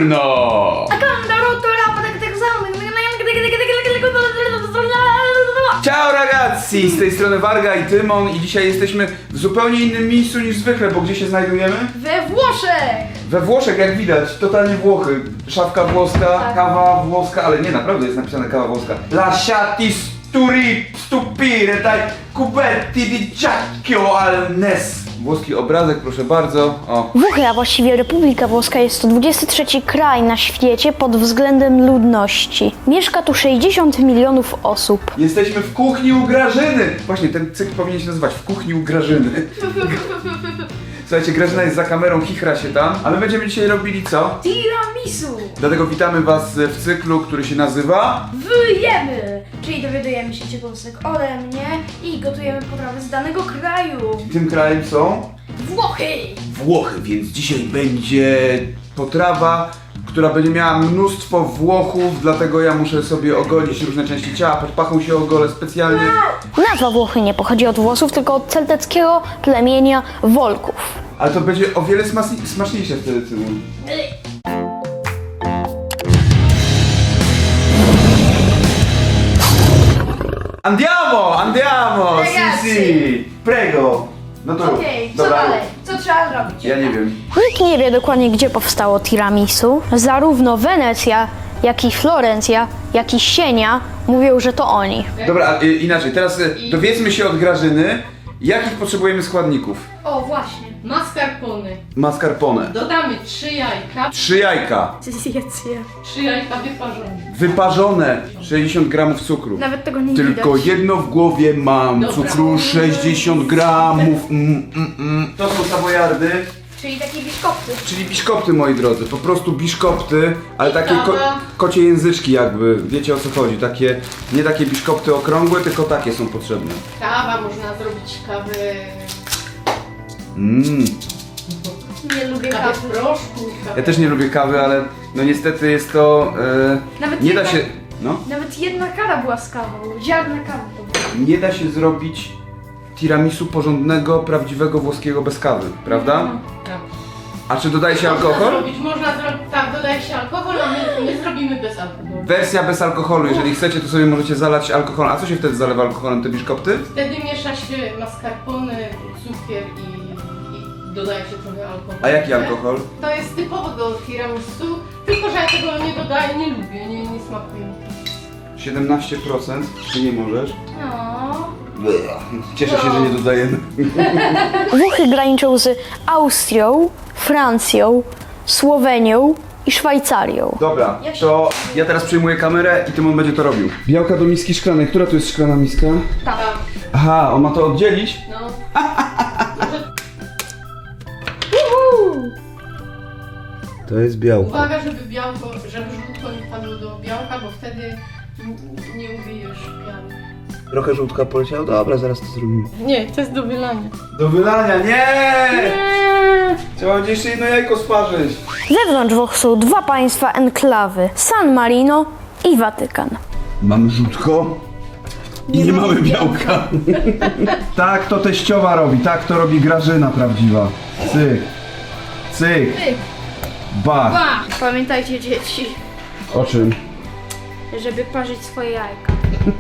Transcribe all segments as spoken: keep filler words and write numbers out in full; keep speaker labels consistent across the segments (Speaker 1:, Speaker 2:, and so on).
Speaker 1: Buongiorno! Ciao ragazzi! Z tej strony Warga i Tymon i dzisiaj jesteśmy w zupełnie innym miejscu niż zwykle, bo gdzie się znajdujemy?
Speaker 2: We Włoszech!
Speaker 1: We Włoszech, jak widać, totalnie Włochy. Szafka włoska,
Speaker 2: Tak.
Speaker 1: kawa włoska, ale nie, naprawdę jest napisane kawa włoska. Lasciati sturi stupire dai cubetti di giacchio al nes. Włoski obrazek, proszę bardzo. O.
Speaker 3: Włochy, a właściwie Republika Włoska jest to dwudziesty trzeci kraj na świecie pod względem ludności. Mieszka tu sześćdziesiąt milionów osób.
Speaker 1: Jesteśmy w kuchni u Grażyny. Właśnie, ten cykl powinien się nazywać W kuchni u Grażyny. Słuchajcie, Grażyna jest za kamerą, chichra się tam, ale będziemy dzisiaj robili co?
Speaker 2: Tiramisu!
Speaker 1: Dlatego witamy was w cyklu, który się nazywa...
Speaker 2: Wyjemy! Czyli dowiadujemy się ciekawostek ode mnie i gotujemy potrawy z danego kraju.
Speaker 1: Tym krajem są...
Speaker 2: Włochy!
Speaker 1: Włochy, więc dzisiaj będzie potrawa, która będzie miała mnóstwo Włochów, dlatego ja muszę sobie ogolić różne części ciała, pod pachą się ogolę specjalnie.
Speaker 3: Nazwa Włochy nie pochodzi od włosów, tylko od celteckiego plemienia Wolków.
Speaker 1: Ale to będzie o wiele smasni- smaczniejsze wtedy, Tymon. Andiamo, andiamo,
Speaker 2: Ragazzi.
Speaker 1: si, si, prego. No to
Speaker 2: Okej, co
Speaker 1: dobra.
Speaker 2: dalej? Co trzeba zrobić?
Speaker 1: Ja nie wiem.
Speaker 3: Nikt nie wie dokładnie, gdzie powstało tiramisu. Zarówno Wenecja, jak i Florencja, jak i Sienia mówią, że to oni.
Speaker 1: Dobra, a, y, inaczej, teraz y, dowiedzmy się od Grażyny, jakich potrzebujemy składników.
Speaker 2: O, właśnie.
Speaker 4: Mascarpone.
Speaker 1: Mascarpone.
Speaker 4: Dodamy trzy jajka,
Speaker 1: Trzy jajka.
Speaker 4: trzy jajka wyparzone.
Speaker 1: Wyparzone. sześćdziesiąt gramów cukru.
Speaker 2: Nawet tego nie
Speaker 1: Tylko
Speaker 2: widać.
Speaker 1: jedno w głowie mam.
Speaker 4: Dobra.
Speaker 1: Cukru sześćdziesiąt gramów. Mm, mm, mm. To są savoyardy,
Speaker 2: Czyli takie biszkopty.
Speaker 1: czyli biszkopty, moi drodzy. Po prostu biszkopty, ale
Speaker 4: I
Speaker 1: takie ko
Speaker 4: kawa.
Speaker 1: kocie języczki jakby. Wiecie o co chodzi. Takie, nie takie biszkopty okrągłe, tylko takie są potrzebne.
Speaker 4: Kawa, można zrobić kawę,
Speaker 1: Mm.
Speaker 2: Nie lubię
Speaker 4: kawę w
Speaker 2: kawy.
Speaker 4: proszku. Kawę.
Speaker 1: Ja też nie lubię kawy, ale no niestety jest to... E,
Speaker 2: Nawet
Speaker 1: nie da
Speaker 2: jedna-
Speaker 1: się... No.
Speaker 2: Nawet jedna kara była z kawą. Ziarna kawy to było.
Speaker 1: Nie da się zrobić tiramisu porządnego, prawdziwego włoskiego bez kawy, prawda?
Speaker 4: Tak.
Speaker 1: A czy dodaje się
Speaker 4: Można
Speaker 1: alkohol?
Speaker 4: zrobić, można zrobić, tak, dodaje się alkohol, a my, my zrobimy bez alkoholu.
Speaker 1: Wersja bez alkoholu, jeżeli chcecie, to sobie możecie zalać alkoholem. A co się wtedy zalewa alkoholem, te biszkopty?
Speaker 4: Wtedy miesza się mascarpone, cukier i, i dodaje się trochę alkoholu.
Speaker 1: A jaki alkohol?
Speaker 4: To jest typowo do tiramisu, tylko że ja tego nie dodaję, nie lubię, nie, nie smakuje mi.
Speaker 1: siedemnaście procent, czy nie możesz?
Speaker 2: No.
Speaker 1: Cieszę się, że nie dodajemy.
Speaker 3: Włochy graniczą z Austrią, Francją, Słowenią i Szwajcarią.
Speaker 1: Dobra, to ja teraz przejmuję kamerę i Tymon będzie to robił. Białka do miski szklanej. Która tu jest szklana miska?
Speaker 4: Tam,
Speaker 1: Aha, on ma to oddzielić?
Speaker 4: no.
Speaker 1: To jest białko.
Speaker 4: Uwaga, żeby białko, żeby żółtko nie padło do białka, bo wtedy n- nie ubijesz piany.
Speaker 1: Trochę żółtka poleciało? Dobra, zaraz to zrobimy.
Speaker 4: Nie, to jest do wylania.
Speaker 1: Do wylania, nie! Trzeba będzie jeszcze jedno jajko sparzyć.
Speaker 3: Wewnątrz Włoch są dwa państwa enklawy: San Marino i Watykan.
Speaker 1: Mamy żółtko i nie, mamy białka. Tak to teściowa robi, tak to robi Grażyna prawdziwa. Cyk, cyk,
Speaker 2: Cyk.
Speaker 1: bach.
Speaker 2: Ba! Pamiętajcie, dzieci,
Speaker 1: O czym?
Speaker 2: żeby parzyć swoje jajka.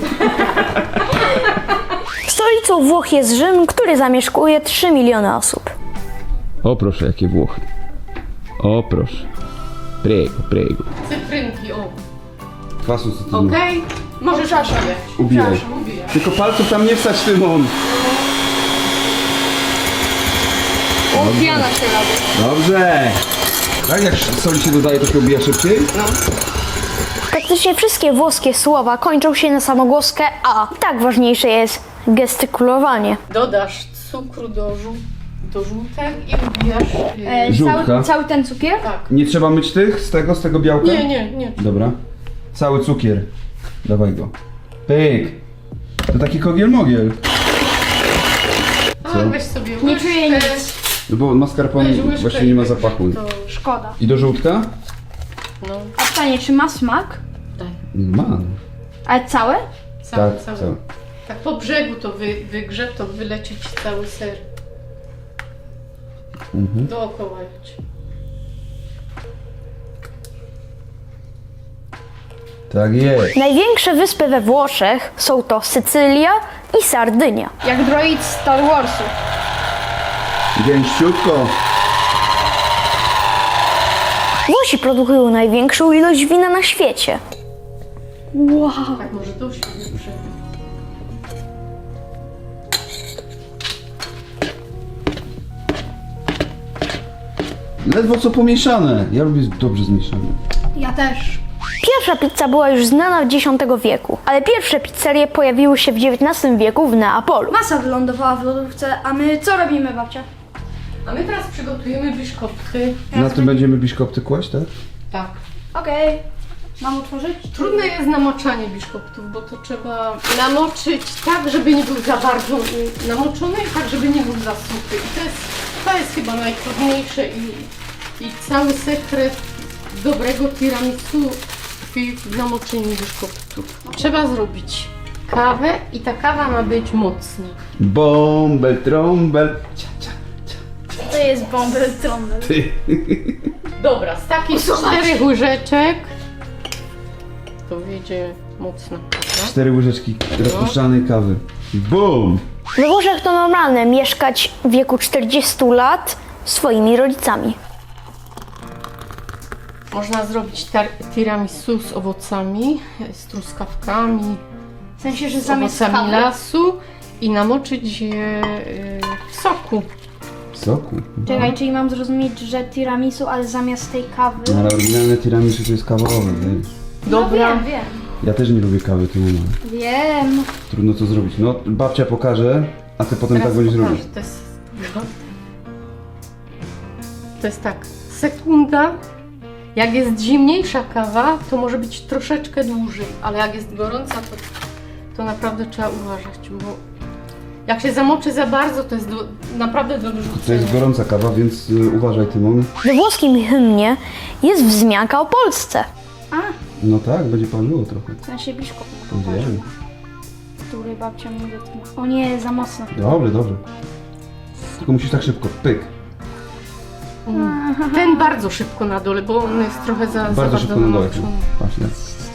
Speaker 3: Stolicą Włoch jest Rzym, który zamieszkuje trzy miliony osób.
Speaker 1: O proszę, jakie Włochy. O proszę. Prego, prego.
Speaker 4: Cytrynki, o.
Speaker 1: Kwasu cytryny.
Speaker 4: Okej? Możesz ubijać.
Speaker 1: Ubijaj.
Speaker 4: Ubijaj.
Speaker 1: Tylko palców tam nie wstać, Tymon.
Speaker 2: O, piana się robi.
Speaker 1: Dobrze. Tak jak soli się dodaje, to się ubija szybciej?
Speaker 3: Praktycznie wszystkie włoskie słowa kończą się na samogłoskę A. I tak ważniejsze jest gestykulowanie.
Speaker 4: Dodasz cukru do, żół do żółtek i ubijasz. Yy,
Speaker 2: E,
Speaker 1: Żółtka.
Speaker 2: cały, cały ten cukier?
Speaker 4: tak.
Speaker 1: Nie trzeba myć tych, z tego, z tego białka?
Speaker 4: Nie, nie, nie.
Speaker 1: Dobra. Cały cukier. Dawaj go. Pyk. To taki kogiel-mogiel.
Speaker 4: A,
Speaker 1: Co?
Speaker 4: weź sobie
Speaker 2: Nie
Speaker 4: łyżkę,
Speaker 2: czuję nic.
Speaker 1: No bo mascarpone
Speaker 4: weź łyżkę
Speaker 1: właśnie nie ma
Speaker 4: i weź
Speaker 1: zapachu.
Speaker 4: To...
Speaker 2: Szkoda.
Speaker 1: I do żółtka?
Speaker 4: No,
Speaker 2: A pytanie, czy ma smak?
Speaker 4: daj.
Speaker 1: Ma.
Speaker 2: Ale całe?
Speaker 4: Cały,
Speaker 1: Tak,
Speaker 4: cały.
Speaker 1: cały.
Speaker 4: Tak po brzegu to wy, wygrze, to wyleci ci cały ser.
Speaker 1: Mhm.
Speaker 4: Dookoła jedź.
Speaker 5: Tak jest.
Speaker 3: Największe wyspy we Włoszech są to Sycylia i Sardynia.
Speaker 2: Jak droid z Star Warsu.
Speaker 5: Gęściutko.
Speaker 3: Włosi produkują największą ilość wina na świecie. Wow.
Speaker 4: Tak, może to się dobrze.
Speaker 5: Ledwo co pomieszane. Ja lubię dobrze zmieszane.
Speaker 2: Ja też.
Speaker 3: Pierwsza pizza była już znana w dziesiątego wieku, ale pierwsze pizzerie pojawiły się w dziewiętnastym wieku w Neapolu.
Speaker 2: Masa wylądowała w lodówce, a my co robimy, babcia?
Speaker 4: A my teraz przygotujemy biszkopty.
Speaker 5: Na tym będziemy biszkopty kłaść, tak?
Speaker 4: Tak.
Speaker 2: Okej. Mam otworzyć?
Speaker 4: Trudne jest namoczanie biszkoptów, bo to trzeba namoczyć tak, żeby nie był za bardzo y, namoczony i tak, żeby nie był za suchy. I to jest, to jest chyba najtrudniejsze i, i cały sekret dobrego tiramisu tkwi w namoczeniu biszkoptów. Trzeba zrobić kawę i ta kawa ma być mocna.
Speaker 5: Bąbel, trąbel. Cia, cia.
Speaker 2: To jest bąbel trąbel.
Speaker 5: Ty.
Speaker 4: Dobra, z takich czterech łyżeczek to wyjdzie mocna kawa.
Speaker 5: Cztery łyżeczki rozpuszczanej kawy. Bum!
Speaker 3: We Włoszech to normalne mieszkać w wieku czterdziestu lat z swoimi rodzicami.
Speaker 4: Można zrobić tar- tiramisu z owocami, z truskawkami,
Speaker 2: W sensie, że
Speaker 4: z
Speaker 2: zamiast
Speaker 4: owocami
Speaker 2: kawy.
Speaker 4: lasu i namoczyć je y, w soku.
Speaker 5: Soku.
Speaker 2: Czekaj, czyli mam zrozumieć, że tiramisu, ale zamiast tej kawy...
Speaker 5: No, ale oryginalne tiramisu to jest kawowe. Ej.
Speaker 4: Dobra.
Speaker 2: No wiem, wiem.
Speaker 5: Ja też nie lubię kawy, to nie ma.
Speaker 2: Wiem.
Speaker 5: Trudno to zrobić. No, babcia pokaże, a ty potem
Speaker 4: Teraz
Speaker 5: tak będziesz
Speaker 4: pokażę.
Speaker 5: robić.
Speaker 4: To jest, to jest tak, sekunda. Jak jest zimniejsza kawa, to może być troszeczkę dłużej, ale jak jest gorąca, to, to naprawdę trzeba uważać, bo jak się zamoczy za bardzo, to jest do, naprawdę do
Speaker 5: To
Speaker 4: wyrzucenia.
Speaker 5: jest gorąca kawa, więc y, uważaj, Tymon.
Speaker 3: We włoskim hymnie jest wzmianka o Polsce.
Speaker 2: A,
Speaker 5: No tak, będzie paliło trochę.
Speaker 2: w sensie biszkop,
Speaker 5: Wiem.
Speaker 2: który babcia mi dotknęła. O nie, za mocno.
Speaker 5: Dobrze, dobrze. Tylko musisz tak szybko, pyk.
Speaker 4: Mm. Ten bardzo szybko na dole, bo on jest trochę za za
Speaker 5: Bardzo
Speaker 4: bardzo
Speaker 5: szybko na dole.
Speaker 4: namoczony.
Speaker 5: Patrz, tak.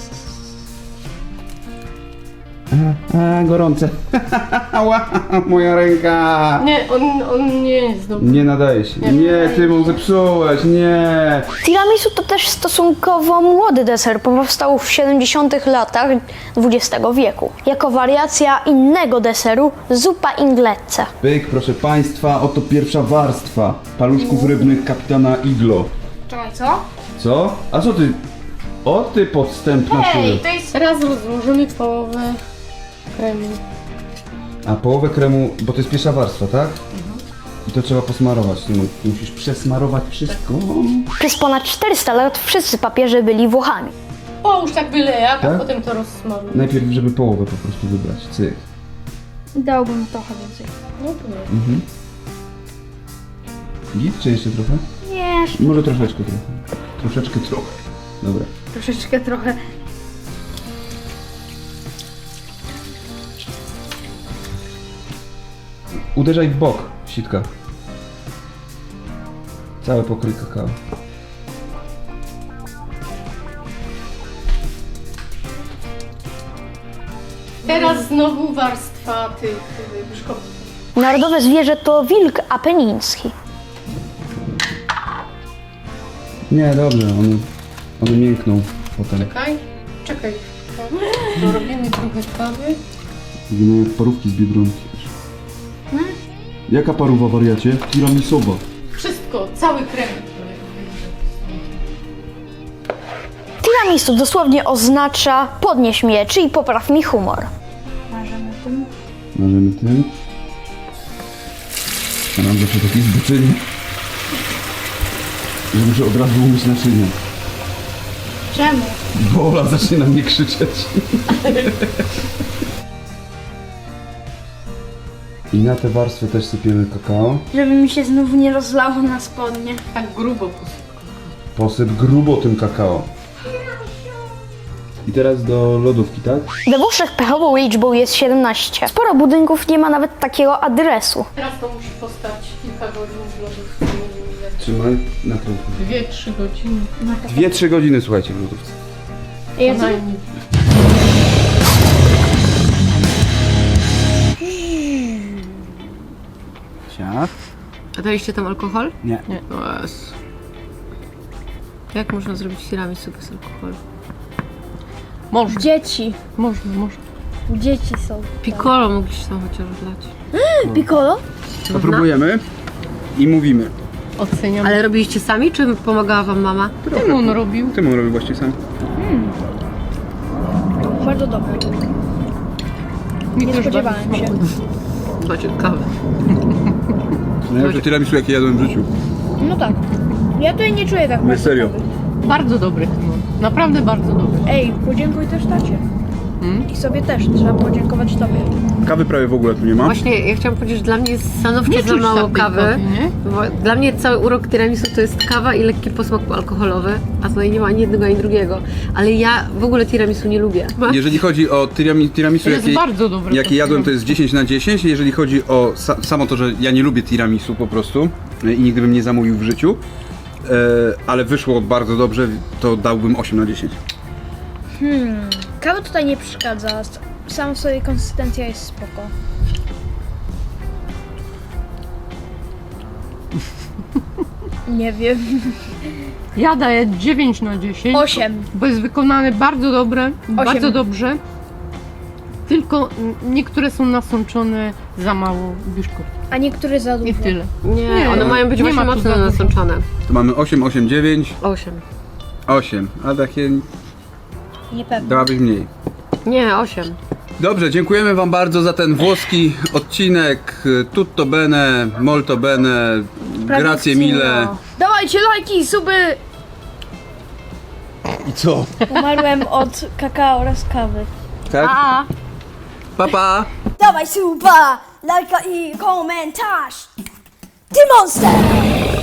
Speaker 5: A, a, gorące. Ała, moja ręka.
Speaker 4: Nie, on, on nie jest dobry.
Speaker 5: Nie nadaje się.
Speaker 4: Nie
Speaker 5: Nie,
Speaker 4: nadaje
Speaker 5: Tymon, zepsułeś, nie.
Speaker 3: Tiramisu to też stosunkowo młody deser, bo powstał w siedemdziesiątych latach dwudziestego wieku. Jako wariacja innego deseru zupa inglese.
Speaker 5: Pyk, proszę państwa, oto pierwsza warstwa paluszków rybnych kapitana Iglo.
Speaker 2: Czekaj, co?
Speaker 5: Co? A co ty? O ty podstępna
Speaker 2: Hej,
Speaker 5: siły.
Speaker 2: to jest...
Speaker 4: Teraz rozłożymy połowę kremu.
Speaker 5: A połowę kremu, bo to jest pierwsza warstwa, tak? I to trzeba posmarować. Tymon. Musisz przesmarować wszystko.
Speaker 3: Przez ponad czterysta lat wszyscy papieże byli Włochami.
Speaker 4: Połóż tak byle jak,
Speaker 5: Tak?
Speaker 4: a potem to rozsmaruj.
Speaker 5: Najpierw, żeby połowę po prostu wybrać. Cyk.
Speaker 2: Dałbym trochę więcej.
Speaker 4: No to nie.
Speaker 5: Mhm. Git, czy jeszcze trochę?
Speaker 2: Nie,
Speaker 5: Może troszeczkę trochę. Troszeczkę trochę. Dobra.
Speaker 2: troszeczkę trochę.
Speaker 5: Uderzaj w bok, sitka. Całe pokryj kakao.
Speaker 4: Teraz znowu warstwa tych tych biszkoptów.
Speaker 3: Narodowe zwierzę to wilk apeniński.
Speaker 5: Nie, dobrze, one, one miękną potem.
Speaker 4: Czekaj, czekaj. Dorobimy trochę kawy.
Speaker 5: Wyglądają jak parówki z Biedronki. Jaka parówa, wariacie? Tiramisowa.
Speaker 4: Wszystko, cały krem.
Speaker 3: Tiramisu dosłownie oznacza podnieś mnie, czyli popraw mi humor.
Speaker 2: Marzymy tym.
Speaker 5: Marzymy tym. A nam zawsze taki zboczenie, że muszę od razu umyć naczynia.
Speaker 2: Czemu?
Speaker 5: Bo Ola zacznie na mnie krzyczeć. I na tę warstwę też sypiemy kakao.
Speaker 2: Żeby mi się znów nie rozlało na spodnie.
Speaker 4: Tak grubo posypko.
Speaker 5: Posyp grubo tym kakao. I teraz do lodówki, tak?
Speaker 3: We Włoszech pechową liczbą jest siedemnaście. Sporo budynków nie ma nawet takiego adresu.
Speaker 4: Teraz to musi postać kilka godzin w lodówce.
Speaker 5: Trzymaj, nakręć.
Speaker 4: Dwie, trzy godziny.
Speaker 5: Dwie, trzy godziny, słuchajcie, w lodówce.
Speaker 2: Jezu.
Speaker 4: najmniej.
Speaker 5: Siad.
Speaker 6: A daliście tam alkohol?
Speaker 5: Nie.
Speaker 4: Nie.
Speaker 6: O Jezu. Jak można zrobić tiramisu bez alkoholu?
Speaker 4: Można,
Speaker 3: Dzieci.
Speaker 4: można, można.
Speaker 3: Dzieci są.
Speaker 6: Piccolo mogliście tam chociaż dać.
Speaker 3: Piccolo?
Speaker 5: Popróbujemy i mówimy.
Speaker 4: Oceniam.
Speaker 6: Ale robiliście sami, czy pomagała wam mama?
Speaker 4: Tymon robił.
Speaker 5: Tymon robił właściwie sam.
Speaker 3: Bardzo dobre.
Speaker 4: Mi
Speaker 3: Nie
Speaker 4: też
Speaker 3: spodziewałem
Speaker 4: bardzo
Speaker 3: się.
Speaker 4: smakuje.
Speaker 6: Chyba ciekawe.
Speaker 5: Najlepsze tiramisu jakie jadłem w życiu.
Speaker 3: No tak. Ja tutaj nie czuję tak
Speaker 5: Nie,
Speaker 3: bardzo
Speaker 5: serio.
Speaker 3: kawy.
Speaker 4: Bardzo dobry tymon. Naprawdę bardzo dobry.
Speaker 3: Ej, podziękuj też tacie.
Speaker 4: Hmm?
Speaker 3: I sobie też. Trzeba podziękować tobie.
Speaker 5: Kawy prawie w ogóle tu nie ma.
Speaker 6: Właśnie ja chciałam powiedzieć, że dla mnie jest stanowczo
Speaker 4: Nie
Speaker 6: za
Speaker 4: czuć
Speaker 6: mało
Speaker 4: tam tej
Speaker 6: kawy.
Speaker 4: kawy, nie?
Speaker 6: Bo dla mnie cały urok tiramisu to jest kawa i lekki posmak alkoholowy, a tutaj nie ma ani jednego, ani drugiego. Ale ja w ogóle tiramisu nie lubię.
Speaker 5: Jeżeli chodzi o tirami, tiramisu,
Speaker 4: Jest
Speaker 5: jakie,
Speaker 4: bardzo dobre.
Speaker 5: jakie jadłem, to jest dziesięć na dziesięć. Jeżeli chodzi o sa, samo to, że ja nie lubię tiramisu po prostu e, i nigdy bym nie zamówił w życiu, e, ale wyszło bardzo dobrze, to dałbym osiem na dziesięć.
Speaker 3: Hmm. Kawa tutaj nie przeszkadza. Sama sobie konsystencja jest spoko. Nie wiem.
Speaker 4: Ja daję dziewięć na dziesięć.
Speaker 3: Osiem.
Speaker 4: Bo jest wykonany bardzo dobre, bardzo dobrze. Tylko n- niektóre są nasączone za mało biszkoptów.
Speaker 3: A niektóry za dużo.
Speaker 4: I tyle.
Speaker 6: Nie,
Speaker 4: Nie,
Speaker 6: one mają być
Speaker 4: nie
Speaker 6: właśnie
Speaker 4: ma tu
Speaker 6: mocno
Speaker 4: za dużo.
Speaker 6: nasączone.
Speaker 5: To mamy osiem, osiem, dziewięć,
Speaker 6: Osiem.
Speaker 5: osiem, a takie
Speaker 3: Niepewne.
Speaker 5: dałabyś mniej.
Speaker 6: Nie, osiem.
Speaker 5: Dobrze, dziękujemy wam bardzo za ten włoski odcinek. Tutto bene, molto bene, grazie mille.
Speaker 3: Dawajcie lajki, suby!
Speaker 5: I co?
Speaker 3: Umarłem od kakao oraz kawy.
Speaker 5: Tak? Pa, pa!
Speaker 7: Dawaj suba, lajka i komentarz. Ty monster!